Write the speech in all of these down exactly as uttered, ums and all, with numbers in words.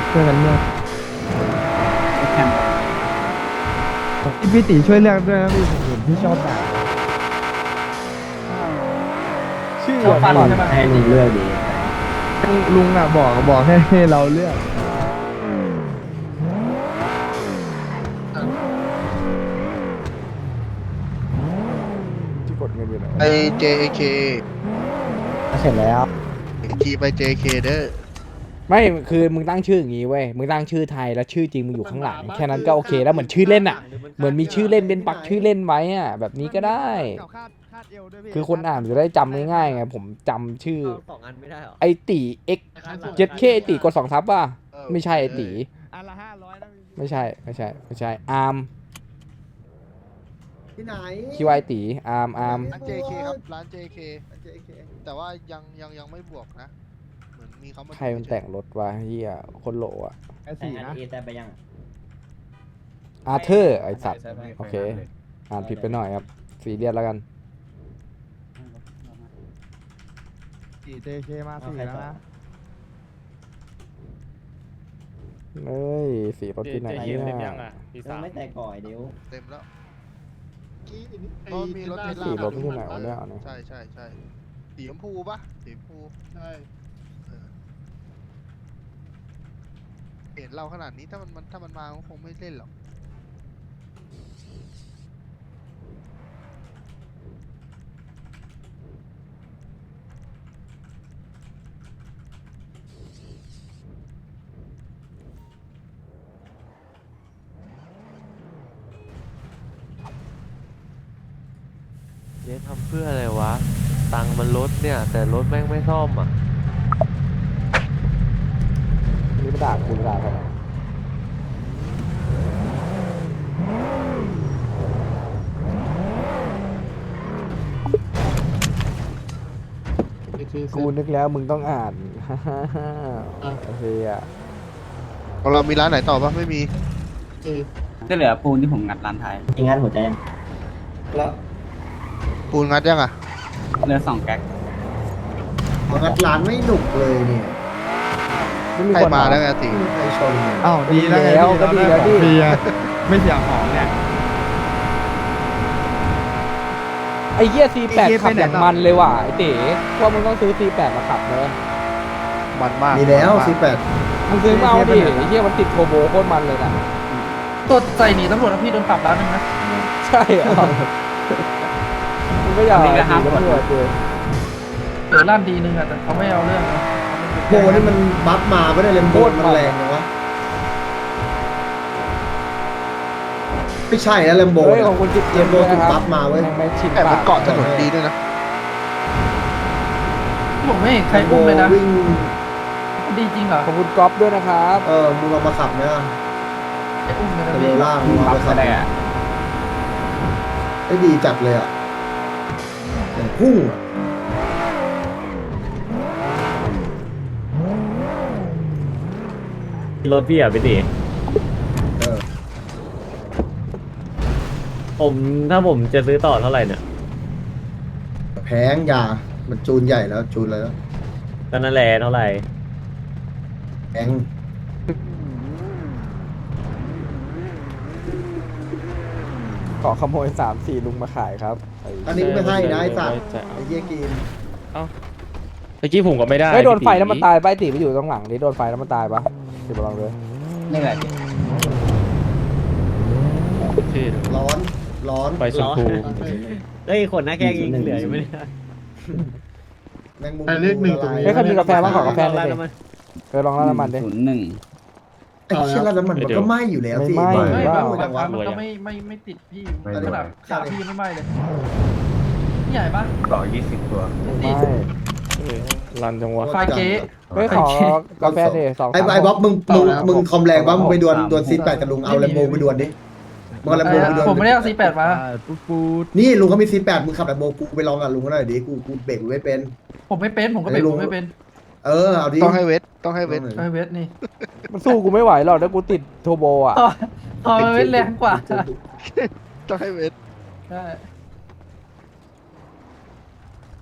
ช่วยกันเลือกแข่งพี่พี่ตีช่วยเลือกด้วยนะพี่ผมเห็นพี่ชอบด่าชื่อชอบฟันใช่ไหมให้ลุงเลือกดีลุงอ่ะบอกบอกให้ให้เราเลือกที่กดเงินอยู่ไหนไอ เจ เคเสร็จแล้วจีไป เจ เค เด้อไม่คือมึงตั้งชื่ออย่างงี้เว้ยมึงตั้งชื่อไทยแล้วชื่อจริงมึงอยู่ข้างหลังแค่นั้นก็โอเคแล้วเหมือนชื่อเล่นอ่ะเหมือนมีชื่อเล่นเป็นปักชื่อเล่นไว้อ่ะแบบนี้ก็ได้ คือคนอ่านจะได้จำง่ายๆไงผมจำชื่อสองอันไม่ได้หรอไอตีเอ็กเจ็ดเคไอตีกดสองทับป่ะไม่ใช่ไอตีอันละห้าร้อยนะพี่ไม่ใช่ไม่ใช่ไม่ใช่อาร์มที่ไหนคิวไอตีอาร์มอาร์มร้าน เจ เค ครับร้าน เจ เค แต่ว่ายังยังยังไม่บวกนะเหมือนมีเขามาใครมันแต่งรถวะเฮียคนโหลอ่ะไอ้สี่นะแต่ไปยังอาร์เธอร์ไอสัตว์โอเคอ่านผิดไปหน่อยครับสีเรียสแล้วกันสี่เจเคมาสี่แล้วนะเอ้ยสีรถที่ไหนเนี่ยไม่แต่ก่อยเดี๋ยวเต็มแล้วกี้อันนี้เพราะมีรถเทสลาสีรถที่ไหนวะเนี่ยเนี่ยใช่ใช่ใช่สีชมพูปะสีชมพูใช่เออเห็นเราขนาดนี้ถ้ามันมันถ้ามันมาก็คงไม่เล่นหรอกเจ๊ทำเพื่ออะไรวะ ตังค์มันลดเนี่ย แต่รถแม่งไม่ซ่อมอ่ะนี่ไม่ด่ากูด่าใคร กูนึกแล้วมึงต้องอ่าน โอเคอ่ะของเรามีร้านไหนต่อปะไม่มีก็เหลือปูนที่ผมงัดร้านไทยอีกงานหัวใจยังปูนงัดยังอ่ะเหลือสองแก๊กงัดร้านไม่หนุกเลยเนี่ยไม่มีใครคนมามาแล้วไงตีไม่มีใครชนเลยอ้าวดีแล้วไงแล้วก็ดีแล้วดิฟรีอะไม่เสียของเนี่ยไอ้เหี้ย ซีแปดไอ้เหี้ยขับไปไหนอย่างต่อมันเลยว่ะไอ้เต๋ว่ามึงต้องซื้อ ซีแปด มาขับเลยมันมากมีแล้วนมากสิบแปดมึงซื้อมาเอาดิไอ้เหี้ยมันติดโทรโบโคตรมันเลยนะตัวใส่หนีตำรวจแล้วพี่โดนปรับแล้วนึงนะใช่เหรอมึงก็อย่าอันนี้ก็ห้ามดีนะเพื่อนเจเดี๋ยวลั่นดีนึงอ่ะแต่เขาไม่เอาเรื่องนะโบนี่มันบัฟมาไม่ได้เลยโบนมันแรงเลยวะไม่ใช่แล้วแลมโบเฮ้ยของคุณจิ๊บเจมส์ด้วยนะครับบัฟมาเว้ยแงไม่ชินแต่มันปากเกาะถนนดีด้วยนะผมไม่เห็นใครอุ้มเลยนะวิ่งดีจริงเหรอขอบคุณก๊อฟด้วยนะครับเออมึงเอามาขับไหมล่ะไอ้อุ้มเลยนะเทพี่เลล่างมึงเอาไปขับไอ้ดีจัดเลยอ่ะอย่างพุ่งอ่ะรถพี่อ่ะพี่ตีเออผมถ้าผมจะซื้อต่อเท่าไหร่เนี่ยแพงยามันจูนใหญ่แล้วจูนเลยแล้วก็นั่นแหละเท่าไหร่แพงขอขโมยสามสี่ลุงมาขายครับไอันนี้ก็ไม่ให้นะไอ้สัตว์ไอ้เหี้ยกินเมื่อกี้ผมก็ไม่ได้ไม่โดนไฟแล้วมันตายไปตีไปอยู่ตรงหลังนี่โดนไฟแล้วมันตายปะติดลองเลยนี่แหละที่ร้อนร้อนไฟชมพูเฮ้ยคนหน้าแกงยิงเหลืออยู่ไหมเนี่ยแมงมุมเลขหนึ่งตรงนี้เฮ้ยใครมีกาแฟบ้างขอกาแฟหน่อยดิน้ำมันเออลองราดน้ำมันดิศูนย์หนึ่งไอ้เชี่ยแล้วน้ำมันมันก็ไหม้อยู่แล้วสิไม่ไหม้ไม่บ้าบางครั้งมันก็ไม่ไม่ไม่ติดพี่ขนาดขาพี่ยังไม่ไหม้เลยใหญ่ปะต่อยี่สิบตัวไม่รันจังวะไฟเก๊เฮ้ยขอกาแฟดิสองไอ้สามไอ้บ๊อบมึงมึงต่อแล้วมึงคอมแรงบ๊อบมึงไปดวลสามดวลซีแปดกับลุงเอาแลมโบไปดวลดิมึงเอาแลมโบไปดวลผมไม่ได้เอาซีแปดมาปุ๊บปุ๊บนี่ลุงเขามีซีแปดมึงขับแลมโบกูไปลองกับลุงเขาหน่อยดิกูกูเบรกไม่เป็นผมไม่เป็นผมก็เบรกไอ้ลุงผมไม่เป็นเออเอาดิต้องให้เวทต้องให้เวทไอเวทนี่มันสู้กูไม่ไหวหรอกถ้ากูติดโทรโบอ่ะอ๋ออ๋อมันเวทแรงกว่าต้องให้เวทใช่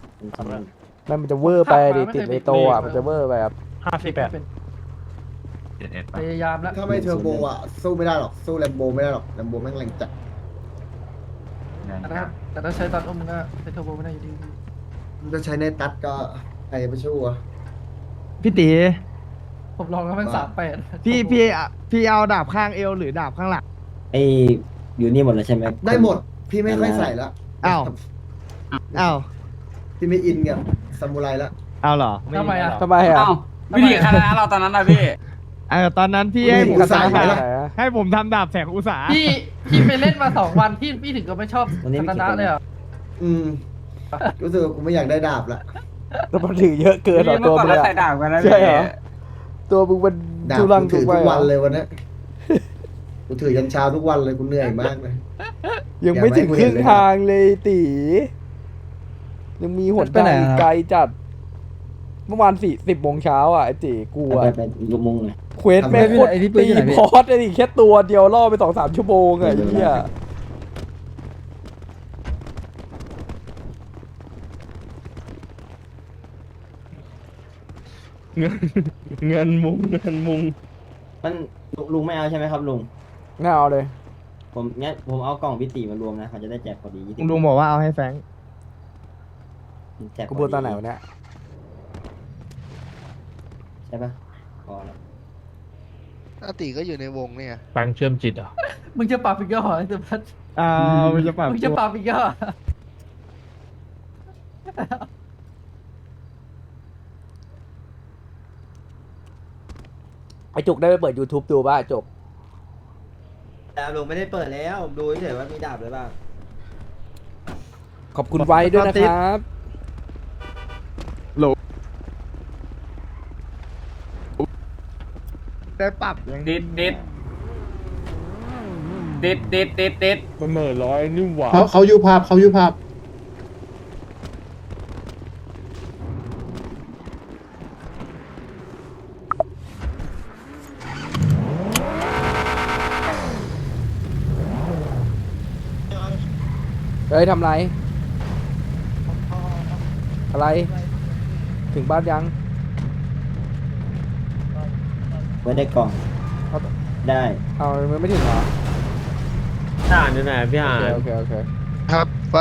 แม่งมันจะเวอร์ไปดิติดในโตอ่ะมันจะเวอร์ไปครับห้าสิบแปดเป็นพยายามแล้วถ้าไม่เทอร์โบอ่ะสู้ไม่ได้หรอกสู้แลมโบไม่ได้หรอกแลมโบแม่งแรงจัดแต่ถ้าแต่ถ้าใช้ตอนอุ้มก็ใช้เทอร์โบไม่ได้อยู่ดีมันจะใช้ในตัดก็ใครไปชู้อ่ะพี่ตีผมลองแล้วแม่งสามแปดพี่พี่อ่ะพี่เอาดาบข้างเอวหรือดาบข้างหลังไออยู่นี่หมดแล้วใช่ไหมได้หมดพี่ไม่ค่อยใส่ละอ้าวอ้าวพี่ไม่อินกับซามูไรละเอาเหรอทำไมอ่ะทำไมอ่ะวิธีคณะเราตอนนั้นนะพี่เออตอนนั้นพี่ให้ผมอุตส่าห์ทำไหมดาบล่ะให้ผมทำดาบแสงอุตสาหพี่พี่ไปเล่นมาสองวันพี่พี่ถึงก็ไม่ชอบคณะเลยอ่ะอืมรู้สึกว่ากูไม่อยากได้ดาบละแล้วมันถือเยอะเกินเหรอเมื่ตัวอก่อนมึงเราอะใส่ดาบกันนะใช่เหรอ ตัวมึงมันดาบทุรังกูทุถืกอไปทุกเหรวันอเลยวันนี้กูถือยันเช้าทุกวันเลยกูเหนื่อยมากเลยยังไม่ถึงครึ่งทางเลยตียังมีหนทางอีกไกลจัด เมื่อวานสี่สิบโมงเช้าอ่ะไอ้ตีกูไปอ่ะไปยกมุงเลยเควสแม่งโคตรตีพอสไอ้นี่แค่ตัวเดียวล่อไปสองสามชั่วโมงอะไอ้เหี้ยเงินเงินมุงเงินมุงมันลุงลุงไม่เอาใช่ไหมครับลุงน่าเอาเลยผมงั้นผมเอากล่องพิตีมารวมนะเขาจะได้แจกพอดียี่สิบลุงบอกว่าเอาให้แฟรงค์แจกพกูอพูดดีตอนไหนวะเนี่ยใช่ปะพอแล้วอาติก็อยู่ในวงเนี่ยแฟรงค์เชื่อมจิตเหรอมึงจะปรับอีกก็เหรอไอ้เดพัทอ่ามันจะปรับมึงจะปรับอีกก็เหรอไอจุกได้ไปเปิด YouTube ดูป่ะจุกดาบลุงไม่ได้เปิดแล้วผมดูเฉยว่ามีดาบหรือเปล่าขอบคุณไว้ด้วยนะครับได้ปรับยังดิดดิดดิดดิดดิดดิดมันเหม่อร้อยนี่หว่าเขาเขาอยู่ภาพเขาอยู่ภาพเฮ้ยทำไร อะไร ถึงบ้านยังไว้ได้กล่องเอาได้เอามันไม่ถึงเหรออ่านอยู่ไหนพี่อ่านโอเคโอเคโอเคครับว่า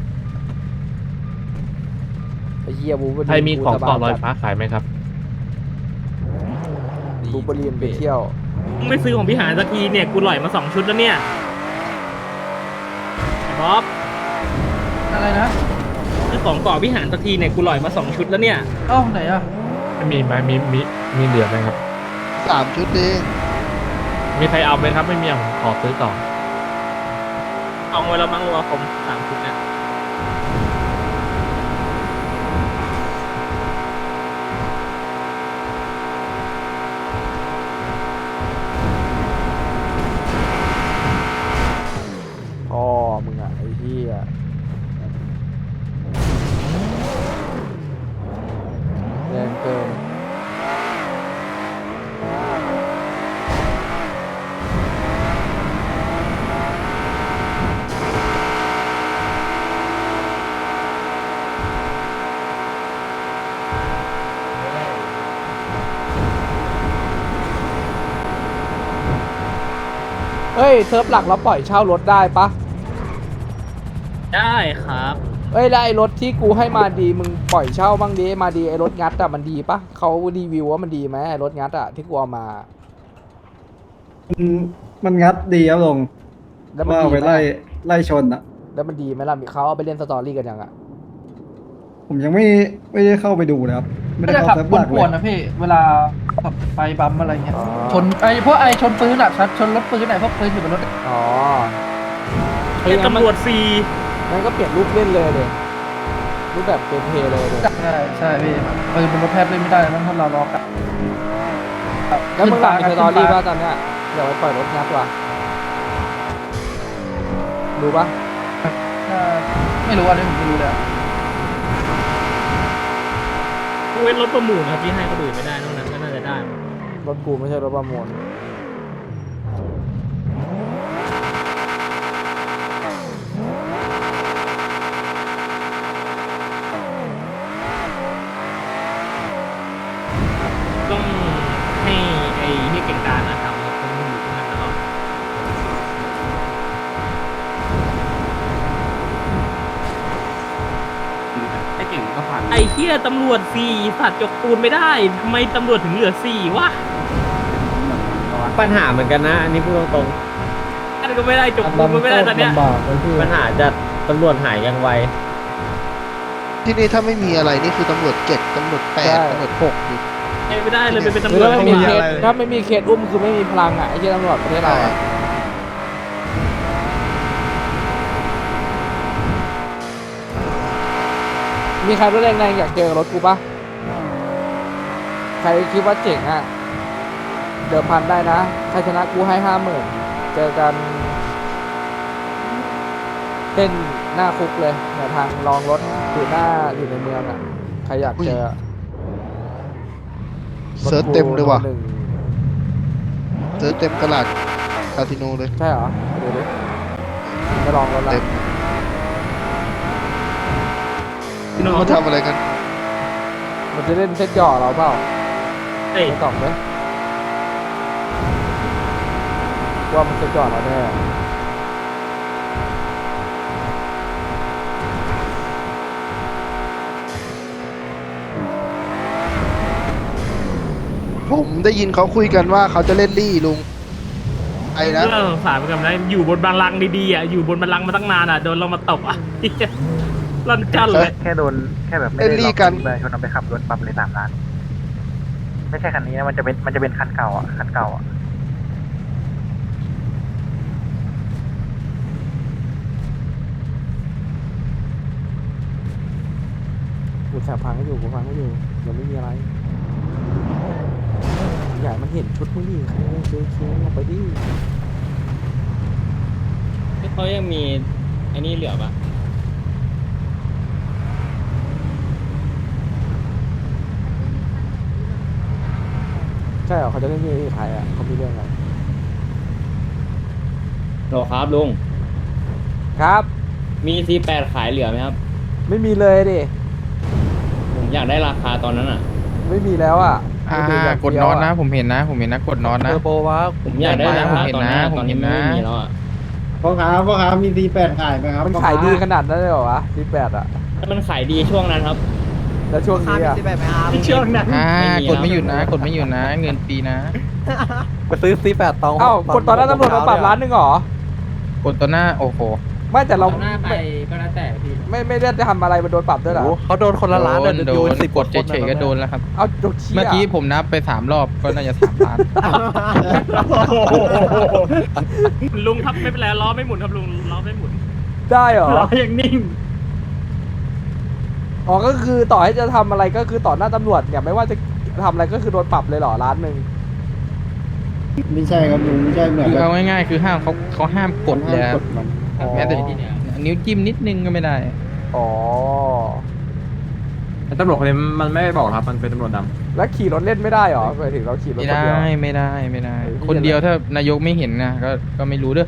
ไอ้เหี้ยบูบใครมีของต่อลอยฟ้าขายไหมครับบูบเรียนไปเที่ยวไม่ซื้อของพี่หานสักทีเนี่ยกูหล่อยมาสองชุดแล้วเนี่ยบ๊อบอะไรนะซื้อของเกาะพี่หานสักทีเนี่ยกูหล่อยมาสองชุดแล้วเนี่ยเอ้าไหนอ่ะมีไหมมีมีมีเหลือไหมครับสามชุดเองมีใครเอาไหมครับ ไม่มีผมขอซื้อต่อเอาไว้แล้วมั้งวัวผมสามชุดเนี่ยพ่อมึงอ่ะไอ้เหี้ยแรงเกิน เฮ้ยเซิร์ฟหลักเราปล่อยเช่ารถได้ปะได้ครับเอ้ยแล้วไอ้รถที่กูให้มาดีมึงปล่อยเช่าบ้างดิมาดีไอ้รถงัดอะมันดีปะเขารีวิวว่ามันดีไหมไอ้รถงัดอะที่กูเอามามันงัดดีครับลงแล้วมันว่าดีไปไหมไล่ไล่ชนอ่ะแล้วมันดีไหมล่ะเขาเอาไปเล่นสตอรี่กันยังอะผมยังไม่ไม่ได้เข้าไปดูนะครับ ไม่ไม่ได้ได้เข้าขับเซิร์ฟหลักปเลวนยๆนะพี่ เวลาขับไปบัมอะไรเงี้ย ชนไอ้พวกไอ้ชนปืนอ่ะชัดชนรถปืนไหนพวกปืนอยู่บนรถอ๋อเรียกตำรวจฟรีงั้นก็เปลี่ยนรูปเล่นเลยเลยรูปแบบเป็นเพย์เลยเลยใช่ใช่พี่ปืนบนรถแทบเล่นไม่ได้แล้วถ้าเราล็อกอะแล้วมึงหลังขึ้สนตอฟ้ารี่ป่ะตอนเนี้ยเดี๋ยวไปปล่อยรถงัดว่ะดูปะเออไม่รู้อันนี้ผมไม่รู้เลยอะเว้นรถประมูลครับที่ให้เขาดูไม่ได้นอกนั้นก็น่าจะได้มั้งรถกูไม่ใช่รถประมูลต้องให้ไอ้นี่เก่งการนะทำแล้วต้องอยู่ที่นั่นตลอดไอ้เก่งก็ผ่านไอ้เหี้ยตำรวจสี่สัตว์จกปูนไม่ได้ทำไมตำรวจถึงเหลือสี่วะปัญหาเหมือนกันนะอันนี้พูดตรงอันก็ไม่ได้จกปูนก็ไม่ได้ตอนเนี้ยลำบากเลยพี่ๆปัญหาจะตำรวจหายยังไวที่นี่ถ้าไม่มีอะไรนี่คือตำรวจเจ็ดตำรวจแปดตำรวจหกอยู่ไม่ได้เลยเป็นหตำรืรอวจถ้าไม่ไม่มีมีเคสถ้าไม่มีเคสอุ้มคือไม่มีพลังอ่ะไอ้เหี้ยตำรวจประเทศเราอะมีใครรถแรงๆอยากเจอรถกูปะใครคิดว่าเจ๋งอ่ะเดิมพันได้นะใครชนะกูให้ห้าหมื่นเจอกันเต้นหน้าคุกเลยเนี่ยทางรองรถอยู่หน้าอยู่ในเมืองอ่ะใครอยากเจอเซิร์ชเต็มเลยว่ะหนึ่งเซิร์ชเต็มตลาดคาสิโนเลยใช่เหรอดูดิจะลองรถละเต็มพี่น้องเขาทำอะไรกันมันจะเล่นเซตหย่อเราเปล่าเอ้ยไม่ตอบไหมว่ามันเซตหย่อเราแน่ผมได้ยินเขาคุยกันว่าเขาจะเล่นลี่ลุงไอ้นะเรื่องสงสารเหมือนกันนะอยู่บนบัลลังก์ดีๆอ่ะอยู่บนบัลลังก์มาตั้งนานอ่ะโดนเรามาตบอ่ะ ลั่นจันเลยแค่โดนแค่แบบไม่เล่นได้ลี่ล็อกกันประชาชนเอาไปขับรถปรับเลยสามล้าน ไม่ใช่คันนี้นะมันจะเป็นมันจะเป็นคันเก่าอ่ะคันเก่าอ่ะกูแสบพังก็อยู่กูพังก็อยู่ยังไม่มีอะไรอยากมันเห็นชุดมึงดิใครเจอเคียงออกไปดิเขายังมีไอ้นี่เหลือปะใช่เหรอเขาจะเล่นที่ไทยอ่ะเขามีเรื่องอะไรโหลครับลุงครับมี ซี แปด ขายเหลือไหมครับไม่มีเลยดิผมอยากได้ราคาตอนนั้นอ่ะไม่มีแล้วอ่ะอ่าไม่มีแบบกดน็อตนะผมเห็นนะ ผมเห็นนะกดน็อตนะเทอร์โบวะผมอยากได้ราคาตอนนี้ผมตอนเห็นี้นนะไม่มีแล้วอ่ะพ่อค้าพ่อค้ามีซีแปดขายไหมครับมันขายดีขนาดนั้นเลยเหรอวะที่แปดอ่ะถ้ามันขายดีช่วงนั้นครับแล้วช่วงนี้อ่ะช่วงนั้นอ่าไม่มีกดไม่หแล้วยุดนะ กดไม่หยุดนะ เงินฟรีนะไปซื้อซีแปดตองเอ้ากดตอนนั้นตำรวจมาปรับร้านหนึงเหรอกดตัวหน้าโอ้โหไม่แต่เราหน้าไปก็แล้วแต่พี่ไม่ไม่ได้จะทำอะไรมันโดนปรับด้วยเหรอโอ้เขาโดนคนละล้านโดนเลยโดยูนสิบกดเฉยๆก็โดนแล้วครับเอาจกเชี่ยเมื่อกี้ผมนับไปสามรอบก็น่าจะสามล้านลุงครับไม่เป็นไรล้อไม่หมุนครับลุงล้อไม่หมุนได้เหรอล้อยังนิ่งอ๋อก็คือต่อให้จะทำอะไรก็คือต่อหน้าตำรวจเนี่ยไม่ว่าจะทำอะไรก็คือโดนปรับเลยเหรอร้านหนึ่งไม่ใช่ครับลุงไม่ใช่เหมือนคือแบบเอาง่ายๆคือห้ามเขาเขาห้ามกดเลยห้ามคกรับดมันแม้แต่นิ้วจิ้มนิดนึงก็ไม่ได้อ๋อตำรวจคนนี้มันไม่บอกครับมันเป็นตำรวจดแล้วขี่รถเล่นไม่ได้เหรอหมายถึงเราขี่รถไม่คนได้เดียวไม่ได้ไม่ได้เออคนเดียวถ้านายกไม่เห็นนะก็ก็ไม่รู้เด้อ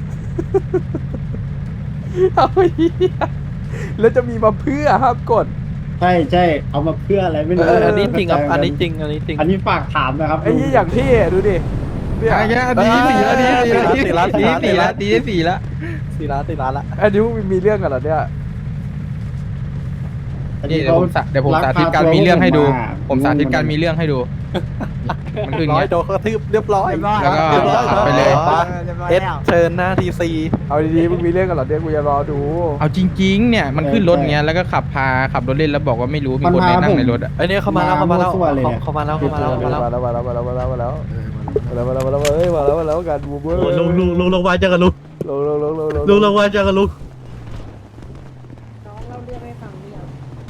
เอาเหี้ยแล้วจะมีมาเพื่อห้ามกดใช่ใช่เอามาเพื่ออะไรไม่เอรู้ออันนี้จริงครับอันนี้จริงอันนี้จริงอันนี้ฝากถามนะครับไอ้ยี่อย่างที่ดูดิเนี่ยอ่ะยะดีสี่ละดีสี่ละดีสี่ละดีสี่ละสี่ล้านสี่ล้านละอันนี้มึงมีเรื่องกันเหรอเนี่ยอันนี่นี้เดี๋ยวผมสาเดี๋ยวผมสาธิตการมีเรื่องให้ดู ผมสาธิตการมีเรื่องให้ดู มันคืออย่างร้อยเงี้ยโดนกระทืบเรียบร้อยแล้วก็เรียบร้อยขับไปเลยเอสเชิญหน้าทีซีเอาดีๆมึงมีเรื่องกันเหรอเนี่ยกูจะรอดูเอาจริงๆเนี่ยมันขึ้นรถเงี้ยแล้วก็ขับพาขับรถเล่นแล้วบอกว่าไม่รู้มีคนไปนั่งในรถอ่ะไอเนี้ยเข้ามาแล้วเข้ามาแล้วเข้ามาแล้วเข้ามาแล้วเข้ามาแล้วมาแล้วมาแล้วมาแล้วมาแล้วมาแล้วมาแล้วมาแล้วมาแล้วมาแล้วเอ้ยมาแล้วมาแล้วกันบูมเบอร์ลุงลุงลุงลงมาเจอกันลุงลงลงลงลงลงลุงลงมาเจอกันลุงน้องเล่าเรื่องให้ฟังหรือยัง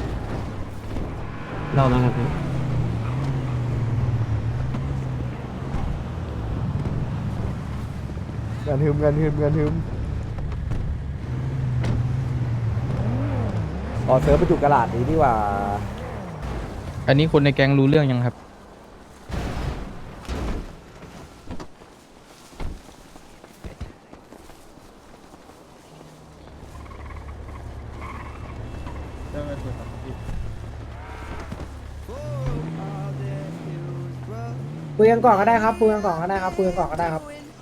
ำเรานะครับพี่งานฮึมงานฮึมงานฮึมอ๋อเซิร์ฟไปจุกกระดาษนี้ดีกว่าอันนี้คนในแก๊งรู้เรื่องยังครับเคุยกันก่อนก็ได้ครับคุยกันก่อนก็ได้ครับคุยกันก่อนก็ได้ครับ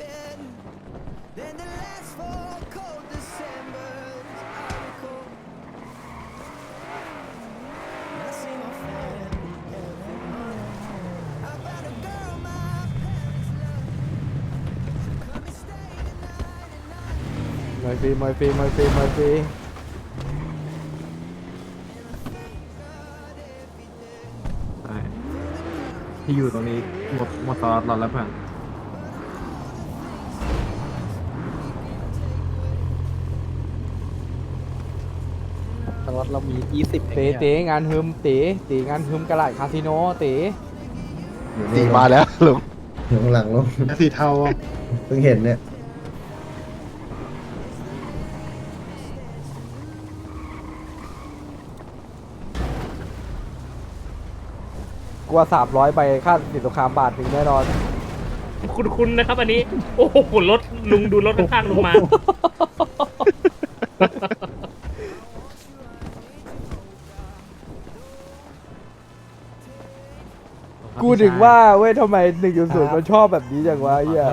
มวยฟรีมวยฟรีมวยฟรีมวยฟรีใช่ที่อยู่ตรงนี้หมดหมดตลอดรอแล้วเพื่อนตลอดเรามียี่สิบเต๋เต๋งานฮึมเต๋เต๋งานฮึมกระไรคาสิโนเต๋ตีมาแล้วลุงอยู่ข้างหลังลงสีเทาเพิ่งเห็นเนี่ยกลัวสามร้อยไปค่าสินสงครามบาทถึงแน่นอนคุณคุณนะครับอันนี้ โอ้โหรถลุงดูรถข้างๆลุงมากูถึงว่าเว้ยทำไมหนึ่งจุดศูนย์มันชอบแบบนี้จังวะไอ้เหี้ย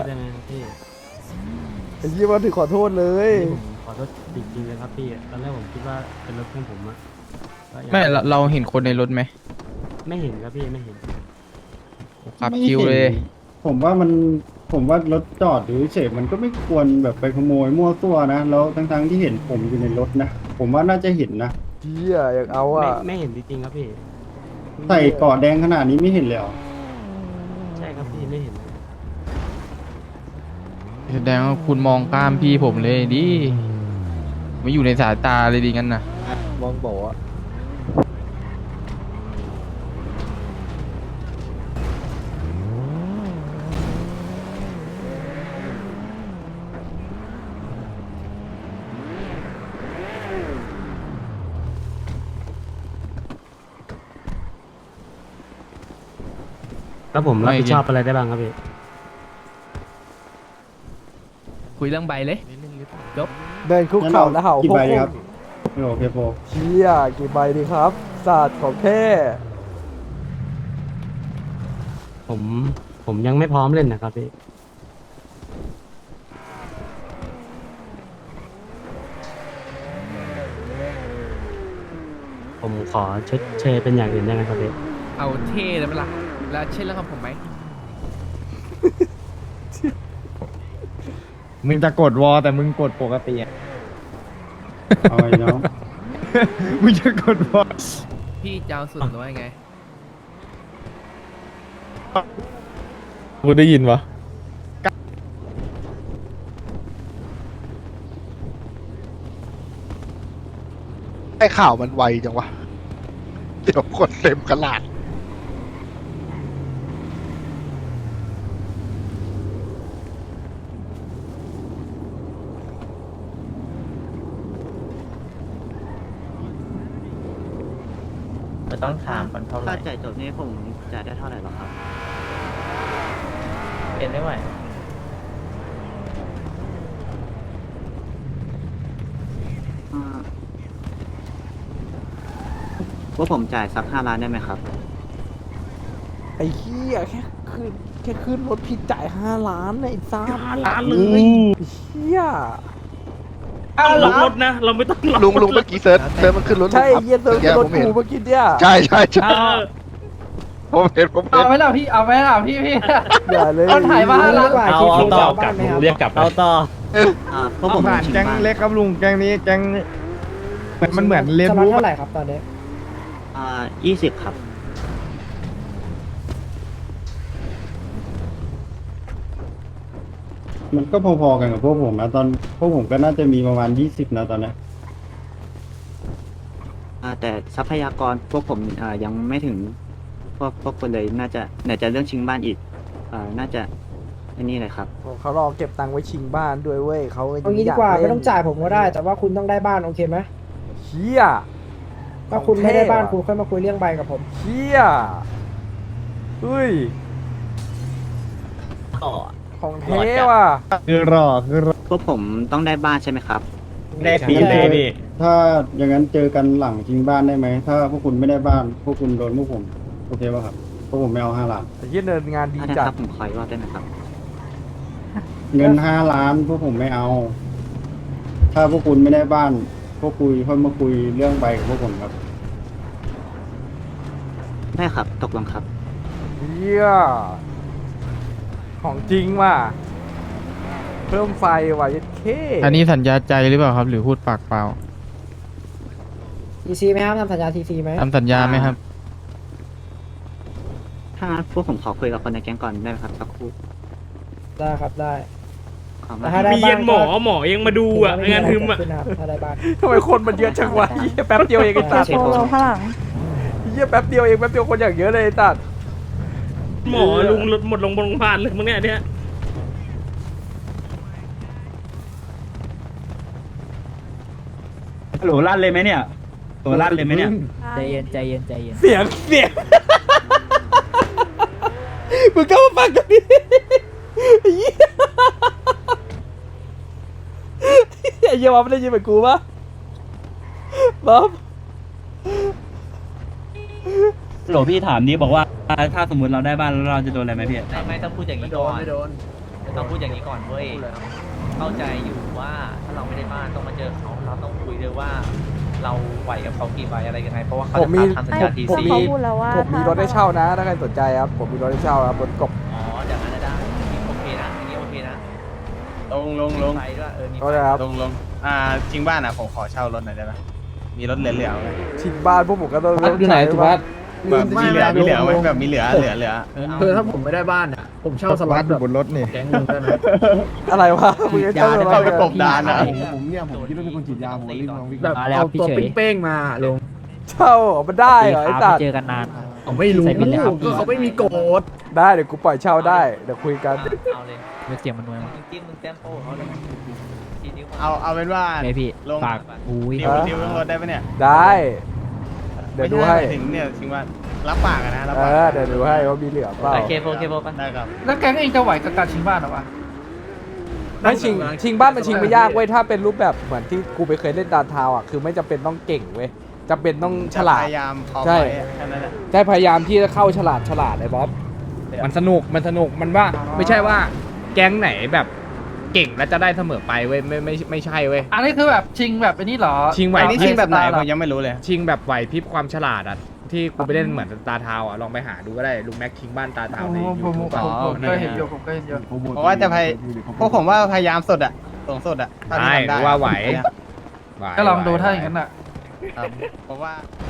ไอ้เหี้ยมาถึงขอโทษเลยขอโทษจริงๆเลยครับพี่ตอนแรกผมคิดว่าเป็นรถเพื่อนผมอะไม่เราเราเห็นคนในรถไหมไม่เห็นครับพี่ไม่เห็นขับคิวเลยผมว่ามันผมว่ารถจอดหรือเฉยมันก็ไม่ควรแบบไปขโมยมั่วซั่วนะแล้วทั้งๆที่เห็นผมอยู่ในรถนะผมว่าน่าจะเห็นนะเหี้ยอยากเอาอ่ะไม่ไม่เห็นจริงๆครับพี่ใส่เกราะแดงขนาดนี้ไม่เห็นเลยเหรอใช่ครับพี่ไม่เห็นแสดงว่าคุณมองข้ามพี่ผมเลยดิไม่อยู่ในสายตาเลยดิงั้นนะมองบอกอ่ะแล้วผมรับผิดชอบอะไรได้บ้างครับพี่คุยเรื่องใบเลยจบเดินคุกเข่าแล้วเห่ากี่พวกใบพวครักบไม่โอเคโฟเชี่ยกี่ใบดีครับศาสตร์ของแท้ผมผมยังไม่พร้อมเล่นนะครับพี่ผมขอชดเชยเป็นอย่างอื่นได้ไหมครับพี่เอาเท่เลยเปล่าแล้วเช่นเรื่องของผมไหมมึงจะกดวอแต่มึงกดปกติเอาไอ้น้อง มึงจะกดวอพี่เจ้าสุดหรือว่าไงกูได้ยินวะไอ้ข่าวมันไวจังวะเดี๋ยวคนเต็มกระลาดต้องถามกันเท่าไหร่ค่าจ่ายจบนี้ผมจ่ายได้เท่าไหร่หรอครับเป็นได้ไหวว่าผมจ่ายสักห้าล้านได้ไหมครับไอ้เหี้ยแค่ขึ้นแค่ขึ้นรถผิดจ่ายห้าล้านไอ้ซ่าห้าล้านเลยเหี้ยต้องล็อกรถนะ เราไม่ต้องล็อกลุงลุงเมื่อกี้เซิร์ชเซิร์ชมันขึ้นรถใช่ผมเหี้ยเซิร์ฟครับรถผมเห็นกูเมื่อกี้เนี่ยใช่ใช่ใช่เออผมเห็นผมเห็เอานไหมล่ะพี่เอาไหมล่ะพี่พี่อย่าเลยเอาถ่ายมาห้าล้านเอาเอาต่อกลับเรียกกลับเอาต่ออ่าเพราะผมผ่านแก๊งเล็กครับลุงแก๊งนี้แก๊งมันเหมือนเรียนสล็อตรู้เท่าไหร่ครับตอนนี้อ่ายี่สิบครับมันก็พอๆกันกับพวกผมนะตอนพวกผมก็น่าจะมีประมาณยี่สิบนะตอนนี้อ่าแต่ทรัพยากรพวกผมอ่ายังไม่ถึงพวกพวกคนเลยน่าจะไหนจะเรื่องชิงบ้านอีกอ่าน่าจะอันนี้เลยครับเขารอเก็บตังค์ไว้ชิงบ้านด้วยเว้ยเขาเอางี้ดีกว่าไม่ต้องจ่ายผมก็ได้ แต่ว่าคุณต้องได้บ้านโอเคไหมเหี้ยถ้าคุณไม่ได้บ้านคุณค่อยมาคุยเรื่องใบกับผมเหี้ยเฮ้ยของเท่ว่ะคือรอคือรอพวกผมต้องได้บ้านใช่ไหมครับได้ปีเลยพี่ถ้าอย่างนั้นเจอกันหลังชิงบ้านได้ไหมถ้าพวกคุณไม่ได้บ้าน พวกคุณโดนพวกผมโอเคป่ะครับพวกผมไม่เอาห้าล้านไอ้เหี้ยเนินงานดีถ้าได้จัคดรับผมขออีกรอบได้ไหมครับเงินห้าล้านพวกผมไม่เอา ถ้าพวกคุณไม่ได้บ้าน พวกคุยค่อยมาคุยเรื่องใบกับพวกผมครับได้ครับ ตกลงครับเหี้ยของจริงว่ะเพิ่มไฟว่ะยัดเคอันนี้สัญญาใจหรือเปล่าครับ หรือพูดปากเปล่าทีซีไหมครับทำสัญญาทีซีไหมทำสัญญาไหมครับถ้างั้นพวกผมขอคุยกับคนในแก๊งก่อนได้ไหมครับสักครู่ได้ครับได้ขอแต่มาถ้าได้มีเย็นหมอหมอยังมาดูอ่ะงานทึมอ่ะขึ้นนะครับถ้าได้บ้านทำไมคนมันเยอะจังวะเหี้ยแป๊บเดียวเองไอ้ตัดเช็คผมเหี้ยแป๊บเดียวเองแป๊บเดียวคนอย่างเยอะเลยไอ้ตัดหมอลุงรถหมดลงโรงพยาบาลเลยมึงเนี่ยเนี่ยฮัลโหลลั่นเลยไหมเนี่ยตัวลั่นเลยไหมเนี่ยใจเย็นใจเย็นใจเย็นเสียงเสียง มึงก็มาฟังกันดิไอ้เหี้ยไอ้เหี้ยบ๊อบไม่ได้ยินเหมือนกูปะบ๊อบฮัลโหลพี่ถามนี้บอกว่าถ้าสมมติเราได้บ้านแล้วเราจะโดนอะไรไหมพี่ไม่ไม่ต้องพูดอย่างนี้ก่อนไม่โดนต้องพูดอย่างนี้ก่อนเว้ยเข้าใจอยู่ว่าถ้าเราไม่ได้บ้านต้องมาเจอเขาเราต้องคุยด้วยว่าเราไหวกับเขากี่ใบอะไรยังไงเพราะว่าเขาผมมีจะทำสัญญาทีผมซีมีผมมีรถให้เช่านะ ถ้าใครสนใจครับ ผมมีรถให้เช่าครับบนกบอ๋ออย่างนั้นได้อันนี้โอเคนะอันนี้โอเคนะลงลงลงไปด้วยเออมีก็ได้ครับลงลงอ่าจริงบ้านอ่ะผมขอเช่ารถหน่อยได้ไหมมีรถเหลือๆไหมชิงบ้านพวกผมก็ต้องอยู่ไหนสุภัสแบบมีเหลือมีเหลือไหมแบบมีเหลือเหลือเหลือคือถ้าผมไม่ได้บ้านอ่ะผมเช่าสล็อตแบบบนรถนี่แก๊งนึงได้ไหมอะไรวะมึงจะเช่าอะไรเข้าไปกบดานอ่ะผมเนี่ยผมคิดว่าเป็นคนฉีดยาผมรีบลองวิ่งแบบเอาตัวเป้งๆมาลงเช่าเหรอมันได้เหรอไอ้ตัดเจอกันนานผมไม่รู้ก็เขาไม่มีโกดได้เดี๋ยวกูปล่อยเช่าได้ เดี๋ยวคุยกันเอาเลยเสียงมันนวยมากจิ้มมึงแต้มโป้เขาเลยทีนิ้วเอาเอาเป็นว่าไงพี่ลงฝากอุ้ยดิวดิวเรื่องรถได้ปะเนี่ยได้ เดี๋ยวดูให้ไม่ช่ถึงเนี่ยจริงว่ารับปากอะนะรับเอปากอ เดี๋ยวดูให้ว่ามีเหลือเปล่าโอเคโอเคโอเคได้ครับแล้วแก๊งเองจะไหวกับการชิงบ้านหรอวะไม่ชิงชิงบ้านมันชิงไม่ยากเว้ยถ้าเป็นรูปแบบเหมือนที่กูไปเคยเล่นดานทาวอ่ะคือไม่จำเป็นต้องเก่งเว้ยจำเป็นต้องฉลาดพยายามขอใช่ไปแค่นั้นแหละใช่พยายามที่จะเข้าฉลาดฉลาดไอ้บ๊อบมันสนุกมันสนุกมันว่าไม่ใช่ว่าแก๊งไหนแบบเก่งแล้วจะได้เสมอไปเว้ยไม่ไม่ไม่ใช่เว้ยอันนี้คือแบบชิงแบบไอ้นี่เหรอชิงไหวอันนี้ชิงแบบไหนผมยังไม่รู้เลยชิงแบบไหวพริบความฉลาดอ่ะที่กูไปเล่นเหมือนตาเทาอ่ะลองไปหาดูก็ได้ลุงแม็กชิงบ้านตาเทาในผมยูผมทูบผมผมก็เห็นอยู่ผมก็เห็นอยู่เพราะว่าจะพยพวกผมว่าพยายามสุดอะสูงสุดอะเท่าที่ใช่ทำได้ว่าไหวก็ลองดูถ้าอย่างนั้นอ่ะครับเพราะว่า